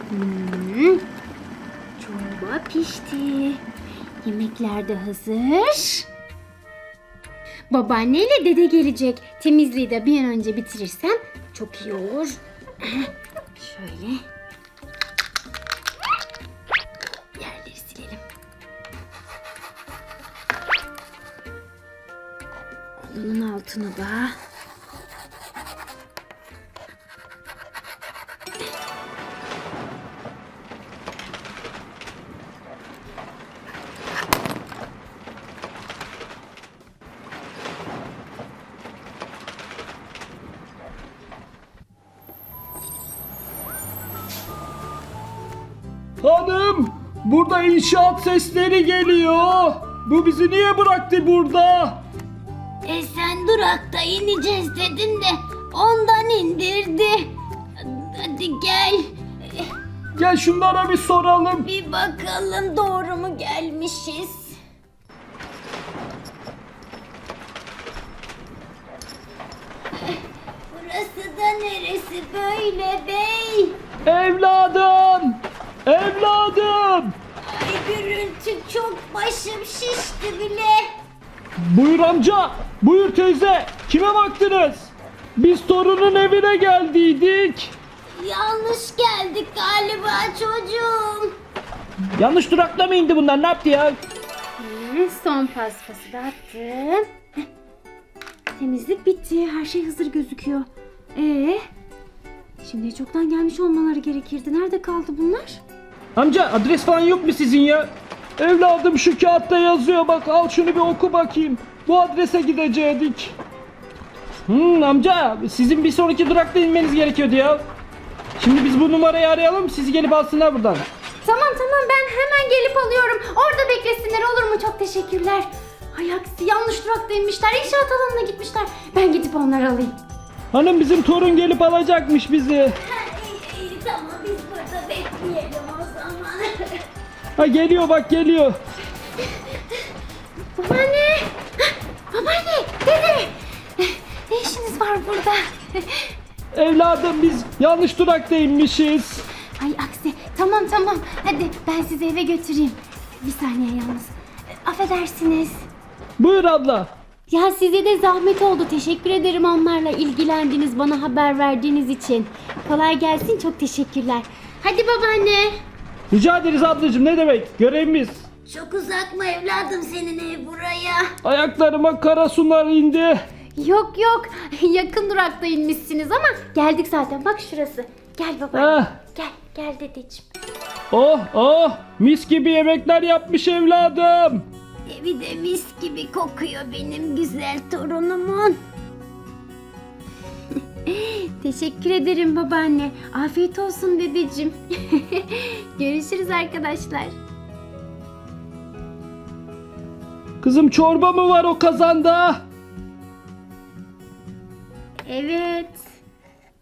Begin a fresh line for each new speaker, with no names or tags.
Çorba pişti. Yemekler de hazır. Babaanneyle dede gelecek. Temizliği de bir an önce bitirirsem çok iyi olur. Şöyle. Yerleri silelim. Onun altına da.
Hanım, burada inşaat sesleri geliyor. Bu bizi niye bıraktı burada?
Sen durakta ineceğiz dedin de ondan indirdi. Hadi gel.
Gel şunlara bir soralım.
Bir bakalım doğru mu gelmişiz? Burası da neresi böyle bey?
Evladım! Evladım!
Ay gürültü çok başım şişti bile.
Buyur amca, buyur teyze. Kime baktınız? Biz torunun evine geldiydik.
Yanlış geldik galiba çocuğum.
Yanlış durakta mı indi bunlar? Ne yaptı ya?
Son paspası da attım. Temizlik bitti. Her şey hazır gözüküyor. Şimdi çoktan gelmiş olmaları gerekirdi. Nerede kaldı bunlar?
Amca adres falan yok mu sizin ya? Evladım şu kağıtta yazıyor, bak al şunu bir oku bakayım. Bu adrese gidecektik. Amca sizin bir sonraki durakta inmeniz gerekiyordu ya. Şimdi biz bu numarayı arayalım, sizi gelip alsınlar buradan.
Tamam ben hemen gelip alıyorum. Orada beklesinler olur mu? Çok teşekkürler. Ay aksi yanlış durakta inmişler. İnşaat alanına gitmişler. Ben gidip onları alayım.
Hanım bizim torun gelip alacakmış bizi.
İyi, tamam biz burada bekleyelim o zaman.
Ha geliyor bak geliyor.
Babaanne! Babaanne! Dede! Ne işiniz var burada?
Evladım biz yanlış durakta inmişiz.
Ay aksi. Tamam. Hadi ben sizi eve götüreyim. Bir saniye yalnız. Affedersiniz.
Buyur abla.
Ya size de zahmet oldu. Teşekkür ederim onlarla ilgilendiniz, bana haber verdiğiniz için. Kolay gelsin, çok teşekkürler. Hadi babaanne.
Rica ederiz ablacığım, ne demek, görevimiz.
Çok uzak mı evladım senin ev buraya?
Ayaklarıma kara sular indi.
Yok yakın durakta inmişsiniz ama geldik zaten, bak şurası. Gel babaanne. Gel dedeciğim.
Oh mis gibi yemekler yapmış evladım.
Evi de mis gibi kokuyor benim güzel torunumun. Teşekkür ederim babaanne. Afiyet olsun dedeciğim. Görüşürüz arkadaşlar.
Kızım çorba mı var o kazanda?
Evet.